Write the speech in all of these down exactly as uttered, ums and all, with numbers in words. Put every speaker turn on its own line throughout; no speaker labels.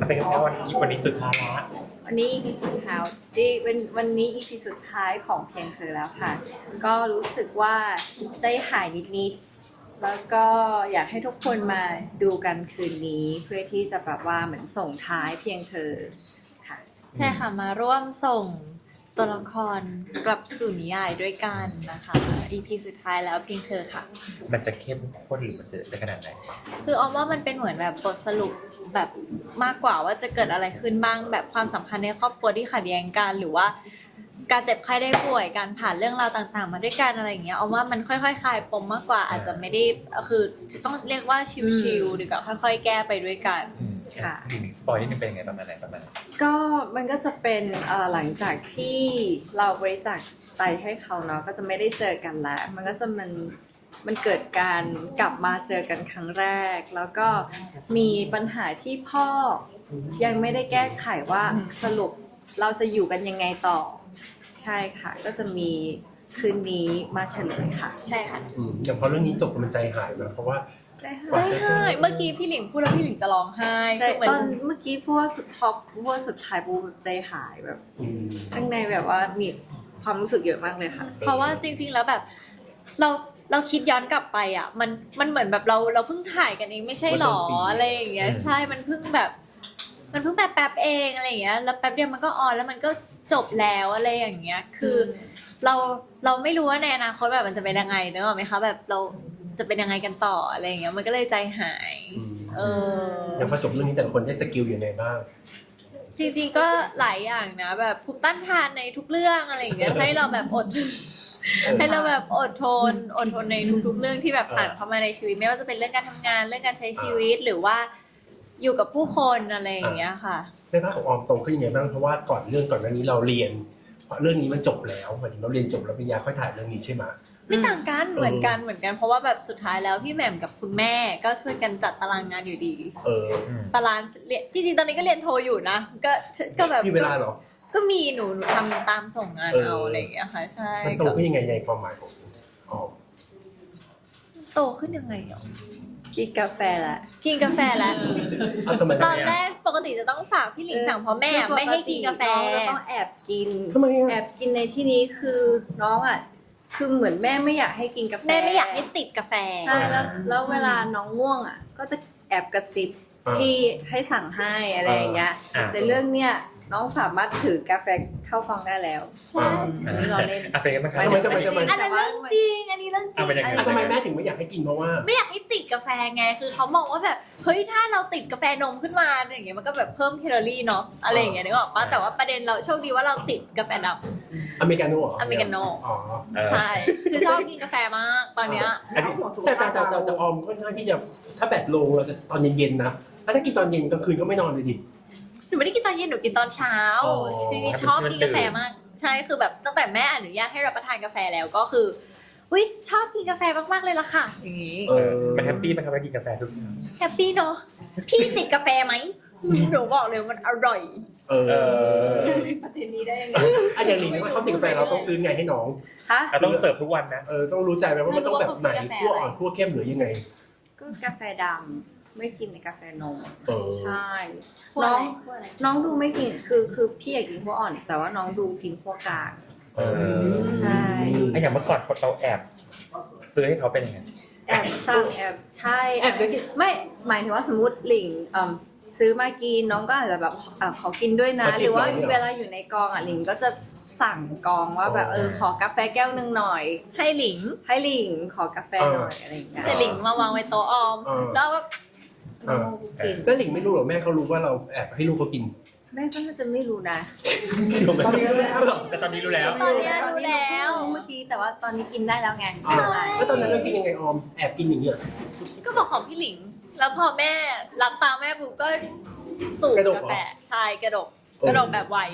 มันเป็นแค่วันนี้วันนี้สุดท้ายละ
วันนี้ อี พี สุดท้ายที่วันวันนี้ อี พี สุดท้ายของเพียงเธอแล้วค่ะก็รู้สึกว่าใจหายนิดๆแล้วก็อยากให้ทุกคนมาดูกันคืนนี้เพื่อที่จะแบบว่าเหมือนส่งท้ายเพียงเธอค่ะ
ใช่ค่ะมาร่วมส่งตัวละครกลับสู่นิยายด้วยกันนะคะ อี พี สุดท้ายแล้วเพียงเธอค่ะ
มันจะเข้มข้นหรือมันจะได้ขนาดไหน
คือออมว่ามันเป็นเหมือนแบบบทสรุปแบบมากกว่าว่าจะเกิดอะไรขึ้นบ้างแบบความสัมพันธ์ในครอบครัวที่ขัดแย้งกันหรือว่าการเจ็บไข้ได้ป่วยการผ่านเรื่องราวต่างๆมาด้วยกันอะไรอย่างเงี้ยออมว่ามันค่อยๆคลายปมมากกว่าอาจจะไม่ได้คือต้องเรียกว่าชิลๆดีกว่าค่อยๆแก้ไปด้วยกัน
ค่ะอีกหนึ่งสปอยนี่เป็นยังไงประมาณไหนประมาณ
ก็มันก็จะเป็นเอ่อหลังจากที่เราบริจาคไตให้เขาเนาะก็จะไม่ได้เจอกันแล้วมันก็จะมันมันเกิดการกลับมาเจอกันครั้งแรกแล้วก็มีปัญหาที่พ่อยังไม่ได้แก้ไขว่าสรุปเราจะอยู่กันยังไงต่อใช่ค่ะก็จะมีคืนนี้มาเฉลยค่ะ
ใช่ค่ะ
อย่างพอเรื่องนี้จบมันใจหายนะเพราะว่า
ใจห
ายใจหายเมื่อกี้พี่หลิงพูดแล้วพี่หลิงจะร้องไห้
ตอนเมื่อกี้พูดว่าสุดท็อปพูดว่าสุดท้ายพูดใจหายแบบข้างในแบบว่ามีความรู้สึกเยอะมากเลยค่ะ
เพราะว่าจริงๆแล้วแบบเราเราคิดย้อนกลับไปอ่ะมันมันเหมือนแบบเราเราเพิ่งถ่ายกันเองไม่ใช่หรออะไรอย่างเงี้ยใช่มันเพิ่งแบบมันเพิ่งแบบแป๊บเองอะไรอย่างเงี้ยแล้วแป๊บเดียวมันก็ออนแล้วมันก็จบแล้วอะไรอย่างเงี้ยคือเราเราไม่รู้ว่าในอนาคตแบบมันจะเป็นยังไงนึกออกไหมคะแบบเราจะเป็นยังไงกันต่ออะไรอย่างเงี้ยมันก็เลยใจหายเออ
อย่างพอจบเรื่องนี้แต่ละคนได้สกิลอย่างไรบ้าง
จริงๆก็หลายอย่างนะแบบภูมิต้านทานในทุกเรื่องอะไรอย่างเงี้ยให้เราแบบอดให้เราแบบอดทนอดทนในทุกๆเรื่องที่แบบผ่านเข้ามาในชีวิตไม่ว่าจะเป็นเรื่องการทำงานเรื่องการใช้ชีวิตหรือว่าอยู่กับผู้คนอะไรอย่างเงี้ยค่ะ
ในภาคของออมโตขึ้นยังไงบ้างเพราะว่าก่อนเรื่องก่อนหน้านี้เราเรียนเพราะเรื่องนี้มันจบแล้วหมายถึงเราเรียนจบแล้วปริญญาค่อยถ่ายเรื่องนี้ใช่ไหม
ไม่ต่างกันเหมือนกันเหมือนกันเพราะว่าแบบสุดท้ายแล้วพี่แหม่มกับคุณแม่ก็ช่วยกันจัดตารางงานอยู่ดี
เออ
ตารางเรียนจริงๆตอนนี้ก็เรียนโทอยู่นะก็ก็แบบ
มีเวลาเหรอ
ก็มีหนูหนูทำตามส่งงานเอาอะไรอย่างเงี้ยค่ะใช่
มันโตขึ้นยังไงในความหมายของออม
โตขึ้นยังไงเนาะ
กินกาแฟละ
กินกาแฟแล้วตอนแรกปกติจะต้องสั่งพี่หลิงสั่งเพราะแม่ไม่ให้กินกาแฟ
เราต้องแอบกินแอบกินในที่นี้คือน้องอ่ะคือเหมือนแม่ไม่อยากให้กินกาแฟ
แม่ไม่อยากให้ติดกาแฟ
ใช่แล้วแล้วเวลาน้องง่วงอ่ะก็จะแอบกระซิบที่ให้สั่งให้อะไรอย่างเงี้ยแต่เรื่องเนี้ยน้องสามารถถือกาแฟเข้ากองได้แล้ว
ใช่
อันนี้เราเล่น
อ่ะเป็นยังไงบ้างครับ
ทำไมทำไมทำไม
อันนั้นเรื่องจริงอันนี้เรื่องจริง
ทำไมแม่ถึงไม่อยากให้กินเพราะว่า
ไม่อยากให้ติดกาแฟไงคือเขามองว่าแบบเฮ้ยถ้าเราติดกาแฟนมขึ้นมาอย่างเงี้ยมันก็แบบเพิ่มแคลอรี่เนาะอะไรอย่างเงี้ยนึกออกปะแต่ว่าประเด็นเราโชคดีว่าเราติดกาแฟด
ำอเมริกาโน่
อเมริกาโน่
อ๋อ
ใช่คือชอบกินกาแฟมากตอนเนี้ย
แต่แต่แต่แต่ออมค่อนข้างที่จะถ้าแบตลงเราจะตอนเย็นๆนะถ้ากินตอนเย็นกลางคืนก็ไม่นอนเลยดิ
หนูไม่ได้กินตอนเย็นหนูกินตอนเช้าคือชอบกินกาแฟมากใช่คือแบบตั้งแต่แม่อนุญาตให้รับประทานกาแฟแล้วก็คืออุ้ยชอบกินกาแฟมากๆเลยล่ะค่ะอย่างงี้
มันแฮปปี้ไหมครับว่ากินกาแฟทุกอย่าง
แฮปปี้เนาะพี่ติดกาแฟไหมหนูบอกเลยมันอร่อย
เออ
ประเด็นนี้ได้ยังไง
อันอย่างนี้ว่าเขาติดกาแฟเราต้องซื้อไงให้น้อง
ฮะ
ต้องเสิร์ฟทุกวันนะ
เออต้องรู้ใจไหมว่ามันต้องแบบไหนคั่วอ่อนคั่วเข้มหรือยังไง
ก็กาแฟดำไม่กินในกาแฟนมใช่
น้อง
น้องดูไม่กินคือคือพี่อยากกินขั้วอ่อนแต่ว่าน้องดูกินขั้วกลางใช่
ไอ้อย่างเมื่อก่อนเราแอบซื้อให้เขาเป็นยังไง
แอบสั่งแอบใช่แอบไม่หมายถึงว่าสมมติหลิงซื้อมากินน้องก็อาจจะแบบขอกินด้วยนะหรือว่าเวลาอยู่ในกองอ่ะหลิงก็จะสั่งกองว่าแบบเออขอกาแฟแก้วนึงหน่อย
ให้หลิง
ให้หลิงขอกาแฟหน่อยอะไรอย่างเงี้ย
แต่หลิงมาวางไว้โต๊ะออมแล้วก็
กินแต่หลิงไม่รู้หรอแม่เขารู้ว่าเราแอบให้ลูกเขากิน
แม่ก็น่าจะไม่รู้นะ
ตอนนี้รู้แล้ว
แต่ตอนนี้รู้แล้ว
ตอนนี้รู้แล้ว
เมื่อกี้แต่ว่าตอนนี้กินได้แล้วไง
ใช่แล้วตอนนั้นเรากินยังไงออมแอบกินอย่างเงี้ย
ก็บอกของพี่หลิงแล้วพอแม่รับตาแม่ปุ๊บก็สูบกาแฟใช่กระดกกระดกแบบไว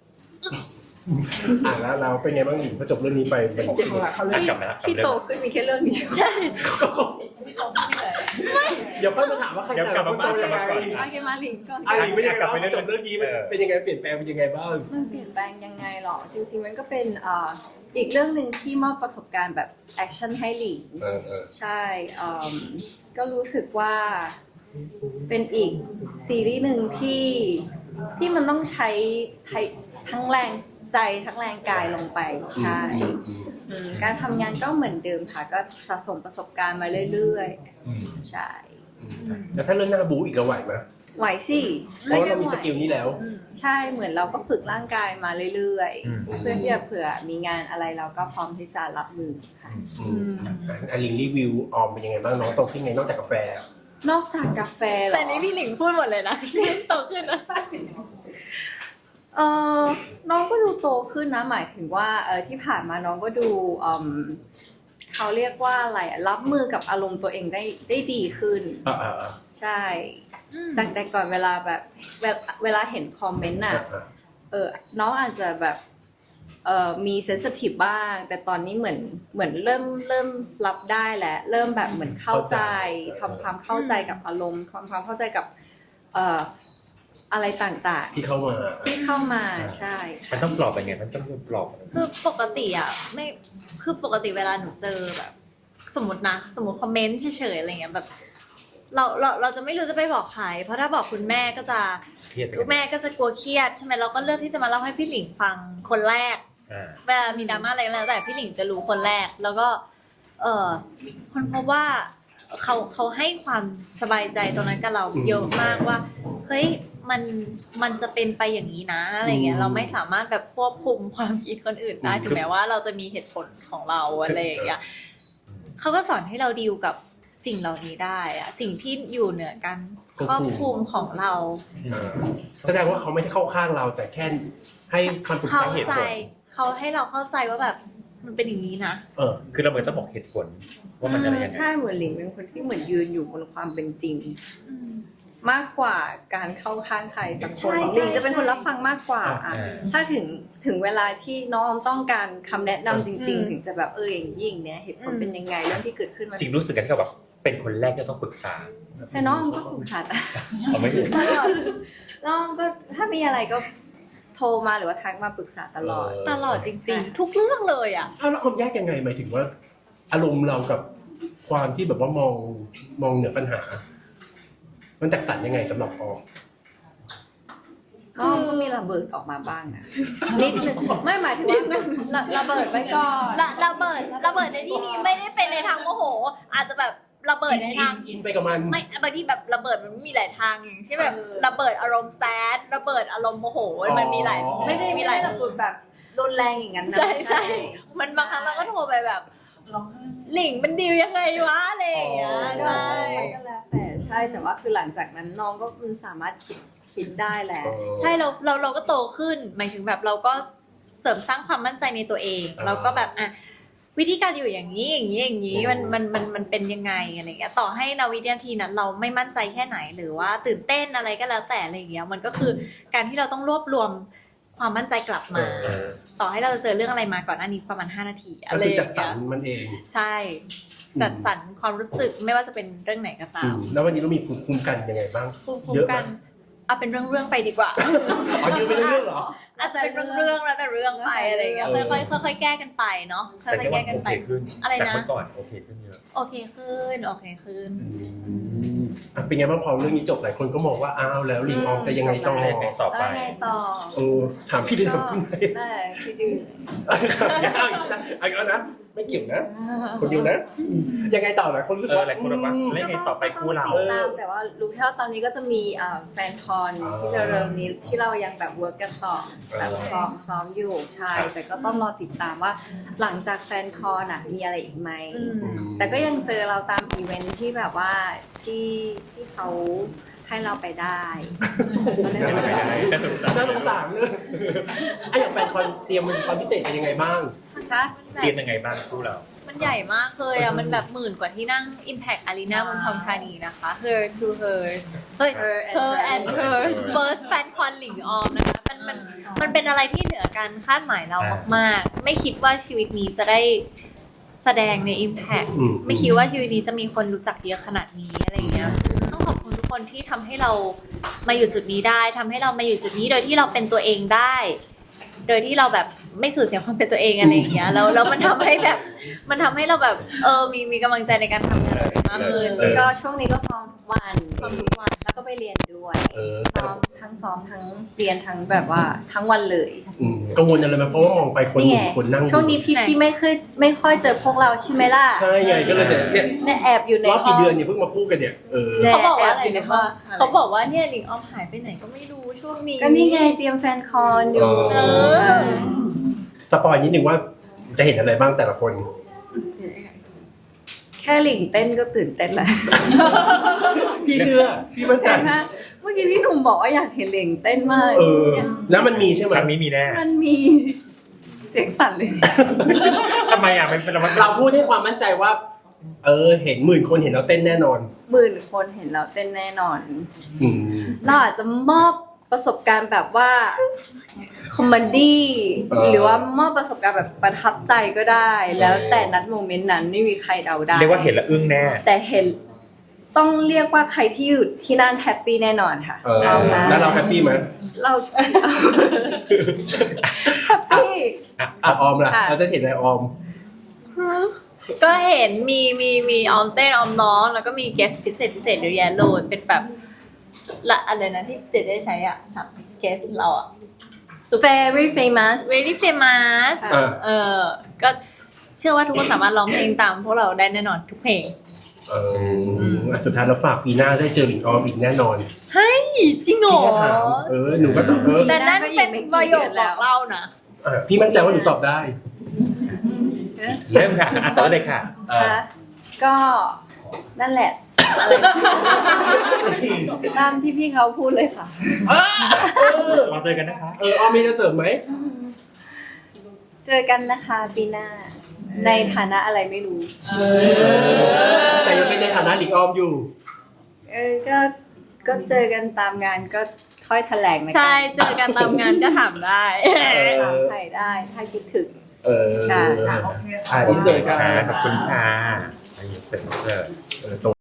อ่ะแล้วเราเป็นไงบ้างหลิงพอจบเรื่องนี้ไปเป็น
เจ็บหัวเขาเลย
ที่โตขึ้นมีแค่เรื่องนี้
ใช่
ไม่เดี๋ยวค่อยมาถามว่าใครแต่ละคนโตยังไง
โอเคมาหลิงก่อน
หลิงไม่อยากกลับไปจบเรื่องนี้เป็นยังไงเปลี่ยนแปลงเป็นยังไงบ้าง
มันเปลี่ยนแปลงยังไงหรอจริงๆมันก็เป็นอีกเรื่องหนึ่งที่มอบประสบการณ์แบบแอคชั่นให้หลิงใช่ก็รู้สึกว่าเป็นอีกซีรีส์หนึ่งที่ที่มันต้องใช้ทั้งแรงใจทั้งแรงกายลงไปใช่อืมการทำงานก็เหมือนเดิมค่ะก็สะสมประสบการณ์มาเรื่อยๆใช่
แล้วถ้าเรื่องหน้าบู๊อีกเราไหวไหม
ไหวสิ
เพราะว่าเรามีสกิลนี้แล้ว
ใช่เหมือนเราก็ฝึกร่างกายมาเรื่อยๆเพื่อที่จะเผื่อมีงานอะไรเราก็พร้อมที่จะรับมือค่ะ
อลิงรีวิวออมเป็นยังไงบ้างน้องโตขึ้นไงนอกจากกาแฟ
นอกจากกาแฟเหรอ
แต่นี้พี่หลิงพูดหมดเลยนะโตขึ้นนะ
เออน้องก็ดูโตขึ้นนะหมายถึงว่าเออที่ผ่านมาน้องก็ดูอืมเขาเรียกว่าอะไรอะรับมือกับอารมณ์ตัวเองได้ได้ดีขึ้น
อ่าอ่า
ใช่จากแต่ก่อนเวลาแบบเวลาเวลาเห็นคอมเมนต์น่ะเออน้องอาจจะแบบเออมีเซนซิทีฟบ้างแต่ตอนนี้เหมือนเหมือนเริ่มเริ่มรับได้แล้วเริ่มแบบเหมือนเข้าใจทำความเข้าใจกับอารมณ์ความความเข้าใจกับเอ่ออะไรต่างๆ
ที่เข้ามา
ที่เข้ามาใช่
มันต้องปลอบยังไงมันต้องปลอบ
คือปกติอ่ะไม่คือปกติเวลาหนูเจอแบบ สมมตินะสมมติคอมเมนต์เฉยๆอะไรเงี้ยแบบเราเราเราจะไม่รู้จะไปบอกใครเพราะถ้าบอกคุณแม่ก็จะ
เครียด
คุณแม่ก็จะกลัวเครียดใช่ไหมเราก็เลือกที่จะมาเล่าให้พี่หลิงฟังคนแรก
อ่า
เวลามีดราม่าอะไรก็แล้วแต่พี่หลิงจะรู้คนแรกแล้วก็เออคนพบว่าเขาเขาให้ความสบายใจตรงนั้นกับเราเยอะมากว่าเฮ้ยมันมันจะเป็นไปอย่างนี้นะอะไรเงี้ยเราไม่สามารถแบบควบคุมความคิดคนอื่นได้ถึงแม้ว่าเราจะมีเหตุผลของเราอะไรอย่างเงี้ยเขาก็สอนให้เราดีลกับสิ่งเหล่านี้ได้อะสิ่งที่อยู่เหนือการครอบคลุมของเรา
แสดงว่าเขาไม่ได้เข้าข้างเราแต่แค่ให้คำปรึก
เข้า
ษาเหตุ
ใจ
ผล
เขาให้เราเข้าใจว่าแบบมันเป็นอย่างนี้นะ
เออ
คือเราเหมือนต้องบอกเหตุผลว่ามันอะไรยังไง
ใช่เหมือนหลิงเป็นคนที่เหมือนยืนอยู่บนความเป็นจริง มากกว่าการเข้าข้างใครสักคน
ใช่ใช่
หลิงจะเป็นคนรับฟังมากกว่า
อ่า
อะถ้าถึงถึงเวลาที่น้องต้องการคำแนะนำจริง
อืม
ๆ ถึงจะแบบเอออย่างยิ่งเนี่ยเหตุผลเป็นยังไงเรื่องที่เกิดขึ้นมัน
จริงรู้สึกกันที่เขาแบบเป็นคนแรกที่ต้องปรึกษา
แต่น้องก็ปรึกษาต
เอาไม่ถูก
ลอดน้องก็ถ้ามีอะไรก็โทรมาหรือว่าทักมาปรึกษาตลอด
ตลอดจริงๆ ทุกเรื่องเลยอ่ะ
อ้าวแล้วความยากยังไงหมายถึงว่า อารมณ์เรากับความที่แบบว่ามองมองเหนือปัญหา มันจัดสรรยังไงสำหรับออม
ก็ก็มีระเบิดออกมาบ้างนะนิดนึงไม่หมายถึงว่าระระเบิดไว้ก่อน
ระระเบิดระเบิดในที่นี้ไม่ได้เป็นในทางโมโห อาจจะแบบระเบิดในทาง
อินไปกับมัน
ไม่บางทีแบบระเบิดมันมีหลายทางอย่างเช่นแบบระเบิดอารมณ์แซดระเบิดอารมณ์โมโหมันมีหลาย
ไม่ได้
มี
มี
ห
ห
ลา
ลาย ยระเบิดแบบรุนแรงอย่างนั้นนะ
ใช่ใช่มันบางครั้งเราก็โทรไปแบบหลิงมันดีลยังไงวะอะไรอย่างเงี้ย
ก็
ใช่
ก็แล้วแต่ใช่แต่ว่าคือหลังจากนั้นน้องก็มันสามารถคิดคิดได้แหละ
ใช่เราเราเราก็โตขึ้นหมายถึงแบบเราก็เสริมสร้างความมั่นใจในตัวเอง
อ่า
เราก็แบบอ่ะวิธีการอยู่อย่างนี้อย่างนี้อย่างนี้มันมันมันมันเป็นยังไงอะไรเงี้ยต่อให้นาวินาทีนั้นเราไม่มั่นใจแค่ไหนหรือว่าตื่นเต้นอะไรก็แล้วแต่อะไรเงี้ยมันก็คือการที่เราต้องรวบรวมความมั่นใจกลับมา
เออ
ต่อให้เราจะเจอเรื่องอะไรมาก่อนหน้านี้ประมาณห้านาทีอะ
ก็
ไร
คือ
อย่า
จัด
ง
สร
เงี้
ร
ย
มันเอง
ใช่จัดสรรความรู้สึกไม่ว่าจะเป็นเรื่องไหนก็ตาม
แล้ววันนี้เรามีภูมิคุ้มกันยังไงบ้าง
ภูมิคุ้
เย
ม
อะไหม
กันเอาเป็นเรื่องๆไปดีกว่า
อ๋อเยอะเป็นเรื่องเหรอ
อาจจะเป็นเรื่องๆแล้วแต่เรื่องไปอะไรอย่างเงี้ย
เออ
ค่อยๆค่อยๆแก้กันไปเนาะค่
แต่
อยๆ
ที่
แก้
ว่า
กัน
โอ
ไป
เคขึ้น
อะไรนะ
จากเมื่อก่อนโอเคขึ้นเยอะ
โอเคขึ้นโอเคขึ้น
อ่ะเป็นไงบ้างพอเรื่องนี้จบหลายคนก็มองว่าอ้าวแล้วลิงออมจะยังไงต่อ
แล้วยังไงต่อไป
แล้วไงต่อ
เออถามพี่ดิ
ก็
ถามพี่ดิ
ได้คิดดู
เอาอีกแล้วเอาอีกแล้วนะไม่เกี่ยวนะ คนเดียวนะ ยังไงต่อหลายคนรู้สึก
เออ
ว่า
หลายคนแบบว่าเล่นไงต่อไปคู่เรา
ติดตามแต่ว่ารู้แค่ว่าตอนนี้ก็จะมีอ่าแฟนคอนที่จะเริ่มนี้ที่เรายังแบบเวิร์กกันต่อแบบซ้อมซ้อมอยู่ใช่แต่ก็ต้องรอติดตามว่าหลังจากแฟนคอนอ่ะมีอะไรอีกไหม
อืม
แต่ก็ยังเจอเราตามอีเวนท์ที่แบบว่าที่ที่เขาให้เราไปได้ก็เลย
ไม่
ว่า
ได้น่าสงสาร
น่าสงสารเลยไอ้อย่างแฟนคอนเตรียมมันความพิเศษเป็นยังไงบ้าง
คะ
เตรียมยังไงบ้างคู่เรา
มันใหญ่มากเลยอ่ะ มันแบบหมื่นกว่าที่นั่ง Impact Arena เมืองทองธานีนะคะ Her to Hers เฮ้ย
Her
Her and Hers First Fan Con หลิงออมนะคะ มันมันมันเป็นอะไรที่เหนือการคาดหมายเรามากๆ ไม่คิดว่าชีวิตนี้จะได้แสดงใน Impact
อืม
ไม่คิดว่าชีวิตนี้จะมีคนรู้จักเยอะขนาดนี้อะไรเงี้ย ต้องขอบคุณทุกคนที่ทำให้เรามาอยู่จุดนี้ได้ทำให้เรามาอยู่จุดนี้โดยที่เราเป็นตัวเองได้โดยที่เราแบบไม่สูญเสียความเป็นตัวเองอะไรอย่างเงี้ยแล้วแล้วมันทำให้แบบมันทำให้เราแบบเออมีมีกำลังใจในการทำงานเราได้มากขึ้น
เออ
ก็ช่วงนี้ก็ซ้อมทุกวัน
ซ้อมทุกวัน
แล้วก็ไปเรียนด้วย
เออ
ซ้อมทั้งซ้อมทั้งเรียนทั้งแบบว่าทั้งวันเลย
อืมกังวลอะไรไหมเพราะว่ามองไปคน
นี่
ห
ไง
นึ่งคนนั่งดู
ช่วงนี้พี่พี่ไม่เคยไม่ค่อยเจอพวกเราใช่ไหมล่ะ
ใช่ไงก็เลยจะเนี่ย
เนี่ยแอบอยู่ใน
รอบกี่เดือนเนี่ยเพิ่งมาพูดกันเนี่ยเออ
แน่
เขาบอกว่า
แอบ
อะไร
อยู่ใน
นะ
ห้อ
ว่าง เขาบอกว่าเนี่ยหลิงออมหายไปไหนก็ไม่รู้ช่วงนี้
ก็นี่ไงเตรียมแฟนคอนอยู่
เออ สปอยนิดนึงว่าจะเห็นอะไรบ้างแต่ละคน
แค่หลิงเต้นก็ตื่นเต้นแล้ว
พี่เชื่อ พี่มั่นใจ
ใช่ไหมเมื่อกี้พี่หนุ่มบอกว่าอยากเห็นหลิงเต้นมาก
เออ แล้วมันมีใช่ไหม
ครั้งนี้มีแน่
มันมีเสียงสั่นเลย
ทำไมอ่ะมันเป็นมัน
เราพูดให้ความมั่นใจว่า เออ เห็นหมื่นคนเห็นเราเต้นแน่นอน
หมื่นคนเห็นเราเต้นแน่นอน
อืม
เราอาจจะมอบประสบการณ์แบบว่าคอมเมดี้
เออ
หรือว่ามอบประสบการณ์แบบประทับใจก็ได้ แล้วแต่นัดโมเมนต์นั้นไม่มีใครเดาได้
เรียกว่าเห็นแล้วอึ้งแน่
แต่เห็นต้องเรียกว่าใครที่อยู่ที่นั่นแฮปปี้แน่นอนค่ะ
เออ
เอาละ
แล้วเราแฮปปี้ไหม
เราแฮปปี้
อ่ะออมล่ะ
ค่ะ
เราจะเห็นอะไรออม
ก็เห็นมีมีมีออมเต้นออมน้องแล้วก็มีเกสพิเศษพิเศษเยอะแยะเลยเป็นแบบละอะไรนะที่เจได้ใช้อ่ะสับเกสเราอ่ะ
very famous
very famous
อ่า
เออก็เชื่อว่าทุกคนสามารถร้องเพลงตามพวกเราได้แน่นอนทุกเพลง
เอออ่ะสุดท้ายเราฝากปีหน้าได้เจอหลิงออมอีกแน่นอน
เฮ้ยจริงเหรอ
พี่แค่ถามเออหนูก็ตอบเออ
แต่นั่นเป็นประโยคบอกเล่านะ
อ่ะพี่มั่นใจว่าหนูตอบได้
เริ่มค่ะอ่ะต่อเลยค่ะ
เออ
คะก็นั่นแหละตามที่พี่เขาพูดเลยค่ะ
มาเจอกันนะคะ
เออออมมีจะเสริมไหม
เจอกันนะคะปีหน้า ในฐานะอะไรไม่รู้
แต่ยังเป็นในฐานะหลิงออมอยู่
เออก็ก็เจอกันตามงานก็ค่อยแถลงนะ
ใช่เจอกันตามงานก็ถามได้
ถามใครได้ถ้าคิดถึง
เออ
ค่ะ
อ่ะอินเสิร์ตค่ะ
ขอบคุณค่ะอินเสิร์ต
เออตรง